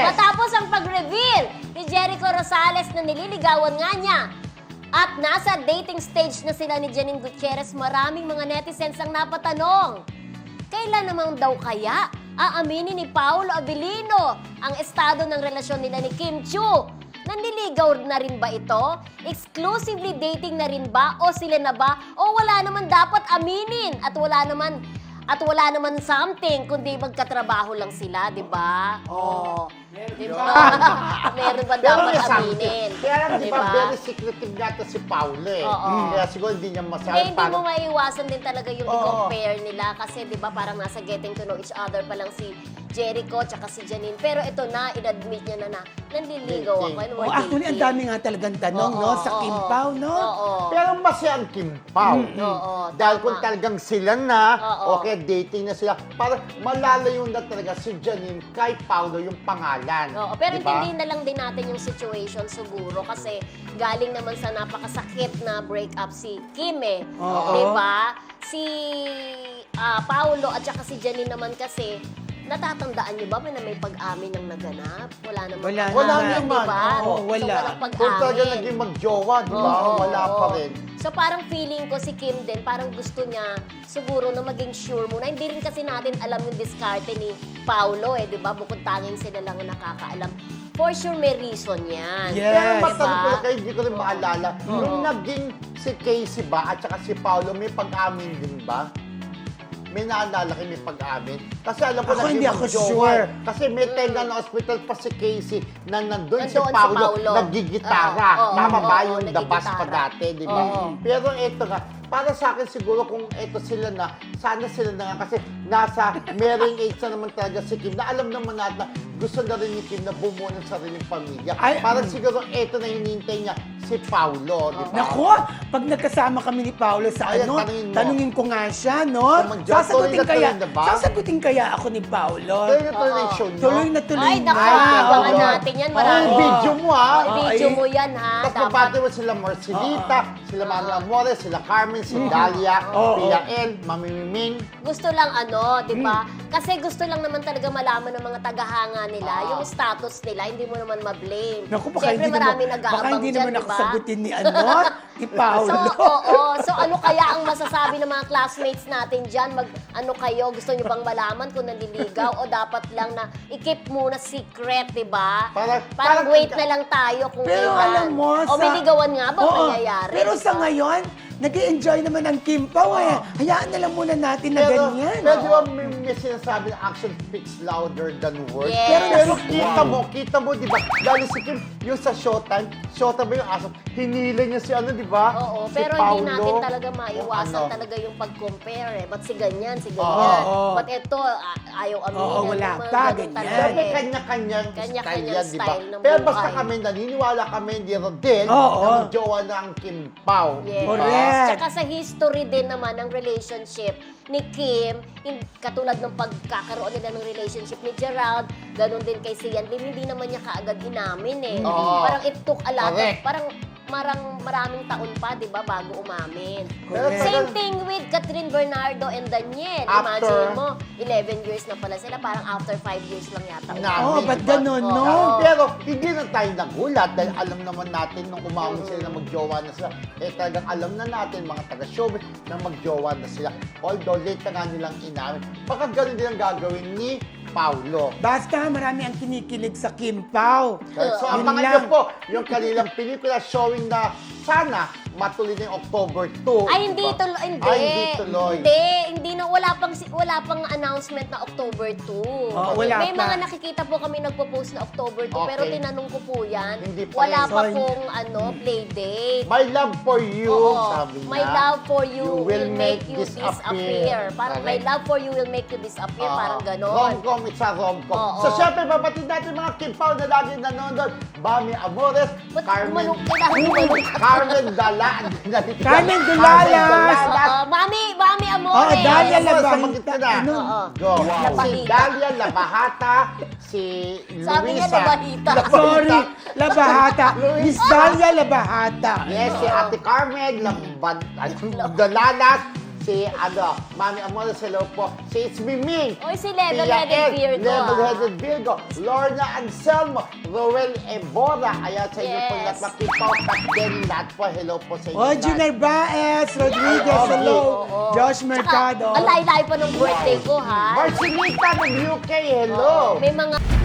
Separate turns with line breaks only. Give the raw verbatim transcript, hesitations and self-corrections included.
Matapos ang pag-reveal ni Jericho Rosales na nililigawan nga niya at nasa dating stage na sila ni Janine Gutierrez, maraming mga netizens ang napatanong. Kailan naman daw kaya aaminin ni Paolo Abilino ang estado ng relasyon nila ni Kim Chiu? Nanliligaw na rin ba ito? Exclusively dating na rin ba? O sila na ba? O wala naman dapat aminin? At wala naman at wala naman something kundi magkatrabaho lang sila, di ba? Oh. Di ba? Meron ba dapat aminin?
Kaya lang, di ba,
Diba?
very secretive nga to si Paolo eh.
Oo.
Kaya siguro hindi niya
Eh,
masabi.
hindi mo maiiwasan din talaga yung
Oo.
i-compare nila kasi 'di ba parang nasa getting to know each other pa lang si Jericho tsaka si Janine. Pero ito na, in-admit niya na na nanliligaw ako. And
Oh,
we're
actually, ang
dating.
dami nga talagang tanong,
Oo,
no? Sa
oo,
Kim
oo.
Pao, no?
Oo.
Pero masaya ang Kim Pao.
Oo,
Dahil
tama.
kung talagang sila na,
Oo.
okay, dating na sila, para malalayo na talaga si Janine kay Paolo yung pangalan.
Oo, pero
Diba?
intindihin na lang din natin yung situation siguro kasi galing naman sa napakasakit na breakup si Kim eh.
Oo.
Di ba? Si ah, Paolo at saka si Janine naman kasi natatandaan niyo ba na may pag-amin ng naganap? Wala naman.
Wala
Wala
naman.
naman.
Di ba?
Oo,
So,
wala.
walang
Kung talaga
pag-amin.
naging magjowa, di ba?
Oo,
Wala
oo.
pa rin.
So parang feeling ko si Kim din, parang gusto niya siguro na maging sure muna. Hindi rin kasi natin alam yung diskarte ni Paolo eh, di ba? Bukod tanging sila lang ang nakakaalam. For sure may reason yan.
Yes.
Pero
Di
matanong ko
ba?
lang kayo, hindi ko rin maalala.
Oo.
Nung naging si Casey ba at saka si Paolo, may pag-amin din ba? May naalala kayo may pag-amin? Kasi alam ko
Ako
naging
hindi ako
magjowa.
sure.
Kasi may time na na hospital pa si Casey na nandun, si
Nandoon si
Paolo,
Paolo.
nagigitara.
Oo, oo,
Tama ba
oo,
yung the bus pa
nagigitara.
dati, di ba?
Oo.
Pero ito nga, para sa akin siguro kung ito sila na, sana sila na nga kasi nasa marrying age na naman talaga si Kim na alam naman natin na gusto na rin ni Kim na bumuo ng sariling pamilya.
Ay,
Parang
mm.
siguro ito na hinihintay niya si Paolo, di ba?
Nako, pag nagkasama kami ni Paolo sa
Ayan,
ano,
tanungin mo.
tanungin ko nga siya, no?
Kung mag-jowa,
Sasagutin
tuloy na
kaya,
tuloy na ba?
sasagutin kaya ako ni Paolo.
Tuloy na tuloy na yung show nyo.
Tuloy na tuloy
Ay,
na.
naku,
Ay,
abangan
oo.
natin yan.
Oh,
Marami.
video mo ha.
Oh, video
Ay.
mo yan ha.
Tapos
Dapat.
mabati mo sila Marcelita, sila Mami Amores, sila Carmen, si Dalia,
Oo.
Pia El, Mami Miming.
Gusto lang ano, di ba? Kasi gusto lang naman talaga malaman ng mga tagahanga nila,
Ah.
yung status nila, hindi mo naman ma-blame.
Naku, baka
Siyempre
hindi naman,
marami
baka
nag-aabang
hindi
dyan,
naman
di
ako
ba?
sagutin ni ano, ni Paolo.
So, oo. So, ano kaya ang masasabi ng mga classmates natin dyan? Mag, ano kayo? Gusto nyo bang malaman kung nanliligaw? O dapat lang na i-keep muna secret, di ba?
Parang-
Parang
parang-
wait na lang tayo kung
Pero
kailan.
alam mo,
O may ligawan nga ba
Oo,
mangyayari?
Pero
di
sa
ba?
ngayon, nag-i-enjoy naman ang Kim Pao eh. Hayaan na lang muna natin na
Pero,
ganyan.
pero di ba may, may sinasabi na action speaks louder than words?
Yes.
Pero, pero kita
Wow.
mo, kita mo, di ba? Dahil si Kim, yung sa Showtime, Showtime ba yung aso? Hinila niya si ano, di ba?
Oo,
Si
pero
Paolo.
hindi natin talaga maiwasan
Ano?
talaga yung pag-compare eh. Ba't si ganyan, si ganyan.
Oo.
Ba't ito, a- ayaw aminin.
Oo, wala
Yung mga
pa,
ganun
ganyan.
talaga
Siyempre,
eh.
kanya-kanyang style
Kanya-kanyang
yan, di ba?
style ng
Pero basta
buhay.
kami, naniniwala kami, hindi rin din,
Oo.
na magjowa na ang Kim Pao.
Yes.
Correct.
Tsaka sa history din naman ng relationship ni Kim, in, katulad ng pagkakaroon nila ng relationship ni Gerald, ganun din kay Sian Lim, hindi naman niya kaagad inamin eh.
Oo.
Parang it took a lot of,
Correct.
parang marang maraming taon pa, di ba, bago umamin.
Correct.
Same thing with Catherine Bernardo and Daniel.
After-
Imagine mo, eleven years na pala sila, parang after five years lang yata.
Na-
Oh,
Di
ba't
ba?
ganun,
Oo.
no?
Pero hindi na tayo nagulat dahil alam naman natin nung umamon sila na magjowa na sila. Eh talagang alam na natin mga taga-showbiz na magjowa na sila. Although late na nga nilang inamin. Baka ganun din ang gagawin ni Paolo.
Basta marami ang kinikilig sa Kim Pao.
So
Yun
abangan
lang.
niyo po yung kanilang pelikula showing na sana matuloy na yung October two.
Ay, hindi
diba?
tuloy. Hindi.
Ay, hindi tuloy.
Hindi, hindi na. Wala pang, si- wala pang announcement na October two.
Oo, wala
May
pa.
mga nakikita po kami nagpo-post na October two,
Okay.
pero tinanong ko po yan.
Hindi pa
wala
rin.
pa
So,
pong ano, play date.
My love for you,
Oo.
sabi niya.
My love for you, will make you disappear. Parang my
Correct.
love for you will make you disappear.
Oo.
Parang ganon.
Rom-com, it's a rom-com.
Oo.
So, syempre, babatid natin mga Kim Pao na lagi nanonood. Bami Amores,
Ba't
Carmen,
umanong- kailangan umanong?
Carmen Dala,
Carmen Dulalas.
Oo, mami, mami
Oo,
amore.
Dalia
Amores,
Labahita.
sumagot ka na.
Ano?
Oo.
Go. Si
Labahita.
Dalia Labahata, si Luisa.
Sabi niya, Labahita.
Sorry, Labahata.
Luisa.
Miss Dalia Labahata.
Yes, si Ate Carmen Lambad, Dalalas, si, ano, Mami Amores, hello po. Si It's Me Ming.
Oy, si
Tia
Level-Headed
Ed,
Virgo,
Level-Headed Virgo. Lorna Anselmo. Roel Ebora. Ayan, sa inyo po
Yes.
lahat. Makipaw, Kat Denny, lahat po. Hello po sa inyo.
Oh,
lahat.
Junior Baez, Rodriguez,
Yeah.
hello.
Oo.
Josh
Tsaka,
Mercado.
ang layo-layo pa ng birthday ko, ha?
Marcelita ng U K, hello.
May mga